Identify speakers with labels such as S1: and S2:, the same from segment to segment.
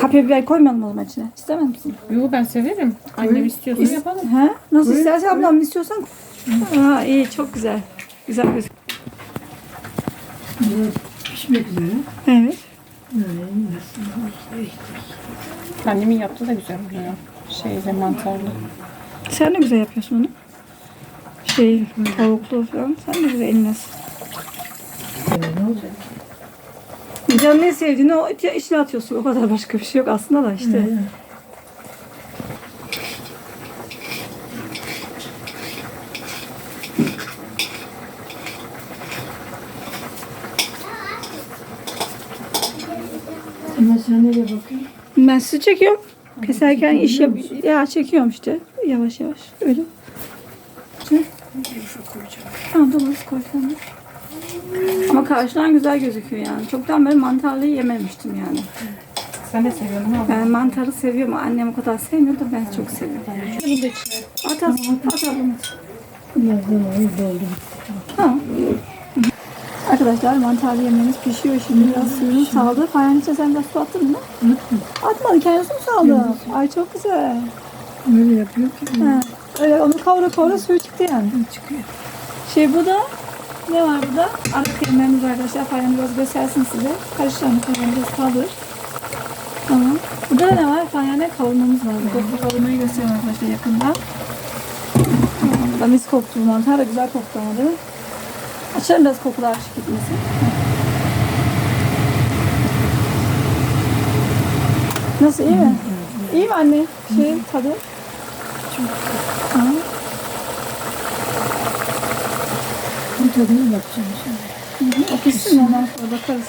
S1: Kapya biber koymayalım o zaman içine. İstemez misin?
S2: Yo ben severim. Annem istiyorsa yapalım.
S1: He? Nasıl istersen ablam istiyorsan. Aa, iyi çok güzel. Güzel gözüküyor.
S3: Pişmek üzere.
S1: Evet.
S2: Annemin yaptığı da güzel oluyor. Şeyle mantarlı.
S1: Sen de güzel yapıyorsun onu. Tavuklu falan. Sen de güzel eline.
S3: Ne olacak?
S1: Canın ne sevdiğini o içine atıyorsun. O kadar başka bir şey yok aslında da işte.
S3: Ama sen nereye bakıyorsun?
S1: Ben sizi çekiyorum. Keserken iş yap ya çekiyorum işte. Yavaş yavaş. Öyle. Tamam domates koy sen de. Ama karşıdan güzel gözüküyor yani. Çoktan beri mantarlıyı yememiştim yani.
S2: Sen de seviyorsun ha?
S1: Ben mantarı seviyorum. Annem o kadar sevmiyor da ben çok seviyorum.
S2: Bunu da içine.
S1: At ablam.
S3: Bunlardan ayı doldu.
S1: Tamam. Arkadaşlar mantarlı yemeğimiz pişiyor şimdi. Biraz suyunu saldı. Fayanın içine sen biraz su attın mı? Atmadı. Kendisi mi saldı? Ay çok güzel.
S3: Öyle yapıyor ki.
S1: Ha. Öyle onu kavura suyu çıktı yani.
S3: Çıkıyor.
S1: Bu da ne var burada? Ara kıyımlarımız arkadaşlar. Fayanı biraz göstersin size. Karıştıralım. Fayanı biraz kaldır. Tamam. Burada da ne var? Fayanı kavurmamız var. Bu kavurmayı göstereyim arkadaşlar yakında. Da mis koktu bu mantar da güzel koktu ama değil mi? Açalım biraz kokular gitmesin. Nasıl iyi mi? İyi mi anne? Tadı?
S3: Çok
S1: Ha.
S3: bir tadına bakacağım şimdi.
S1: O pişsin mi ondan sonra bakarız.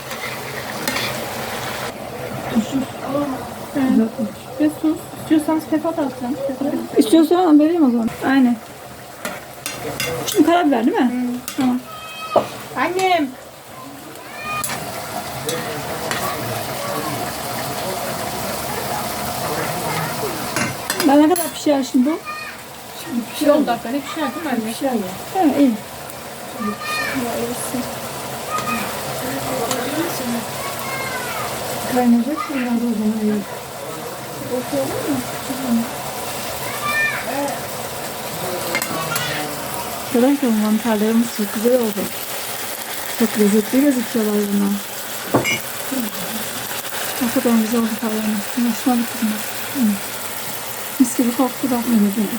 S3: Tuzsuz.
S1: Evet.
S2: Ve sus. İstiyorsanız pepa da atacağım.
S1: İstiyorsan hemen vereyim o zaman. Aynen. Şimdi karabiber değil mi? Tamam.
S2: Annem.
S1: Ben ne kadar pişer şimdi bu?
S2: Bir 10 dakika ne pişer değil mi anne?
S3: Pişer ya.
S1: Evet iyi.
S3: Kaynayacak sonra da o zaman iyi.
S1: Arkadaşlar mantarlarımız çok güzel oldu. Çok lezzetli gözüküyorlar bunlar. Hakikaten güzel oldu falan. Hoşuma gitti bunlar. Mis gibi koktu da.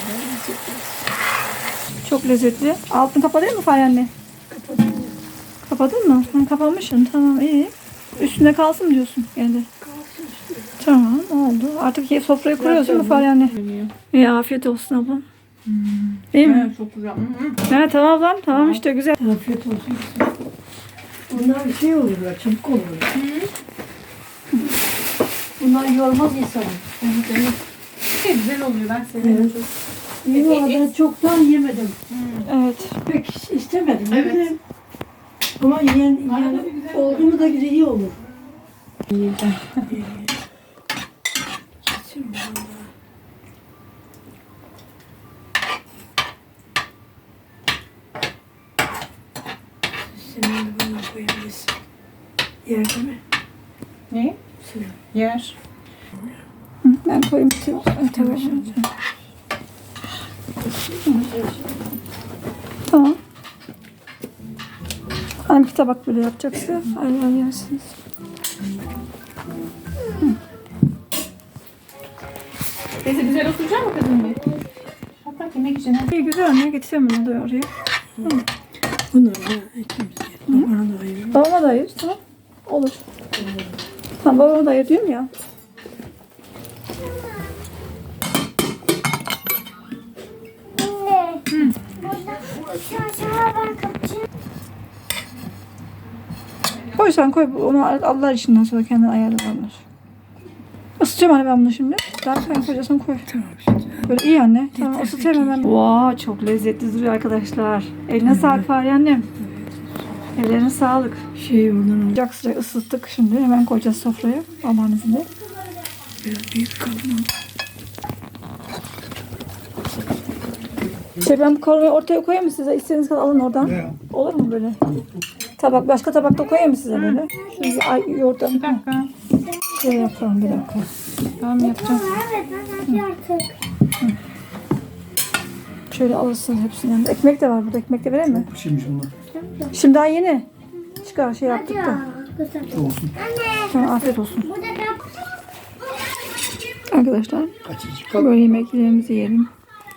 S1: Çok lezzetli. Altını kapatayım mı Fay anne? Kapadın mı? Ben kapamışım. Tamam iyi. Üstünde kalsın diyorsun yani. Tamam oldu. Artık sofrayı kuruyorsun mu Fay anne? İyi afiyet olsun ablam. İyi mi?
S2: Çok güzel.
S1: Evet tamam ablam. Tamam işte güzel.
S3: Afiyet olsun. Bunlar bir şey olur ya, çabuk olur. Bunlar yormaz insanı.
S2: Evet. Güzel oluyor. Ben seviyorum
S3: Evet.
S2: çok.
S3: Yok, ben çoktan yemedim.
S1: Evet.
S3: Pek istemedim.
S2: Evet.
S3: Yedim. Ama yiyen oldu mu da iyi olur. Senin bunu koyabilirsin. Yerde mi?
S2: Ne?
S3: Suyu.
S2: Yer.
S1: Ben koyayım. Tamam. Tamam. Hani bir tabak böyle yapacaksa ayrı yersiniz.
S2: Teyze güzel oturacak mı kızım bir? Hatta yemek için.
S1: İyi güzel anne getireyim bunu da oraya.
S3: Bunlar da ikimiz yedim. Bana da ayırın.
S1: Babama da ayır tamam. Olur. Tamam babama da ayır diyorum ya. Koy sen koy. Onu Allah işinden sonra kendin ayarlarlar. Isıtacağım anne ben bunu şimdi. Daha sen koyacaksın koy.
S3: Tamam işte.
S1: Böyle iyi anne. Tamam ısıtayım hemen. Wow, çok lezzetli duruyor arkadaşlar. Eline sağlık Fahriye annem. Ellerine sağlık.
S3: Şey oradan al.
S1: Sıcak sıcak ısıttık şimdi. Hemen koyacağız sofraya. Aman izniyle.
S3: Biraz büyük kalın.
S1: Ben bu kavurmayı ortaya koyayım mı size? İstediğiniz kadar alın oradan. Olur mu böyle? Tabak, başka tabakta koyayım mı size böyle? Şöyle yoğurttan.
S2: Bir dakika.
S1: Şöyle yapalım bir dakika.
S2: Tamam yapacağım.
S4: Evet ben hadi artık.
S1: Şöyle alırsın hepsini yanında. Ekmek de var burada. Ekmek de vereyim mi?
S5: Bir şeymiş onlar.
S1: Şimdi daha yeni. Çıkar şey yaptık da.
S4: Ya, güzel.
S5: Olsun.
S4: Anne.
S1: Tamam, afiyet olsun.
S4: Bu da kap.
S1: Arkadaşlar
S5: Kaçıncı kat?
S1: böyle yemeklerimizi yiyelim.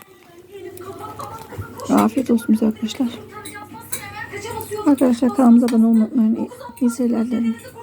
S1: Afiyet olsun bize arkadaşlar. Arkadaşlar kanalımıza abone olmayı unutmayın. İyi seyirler dilerim.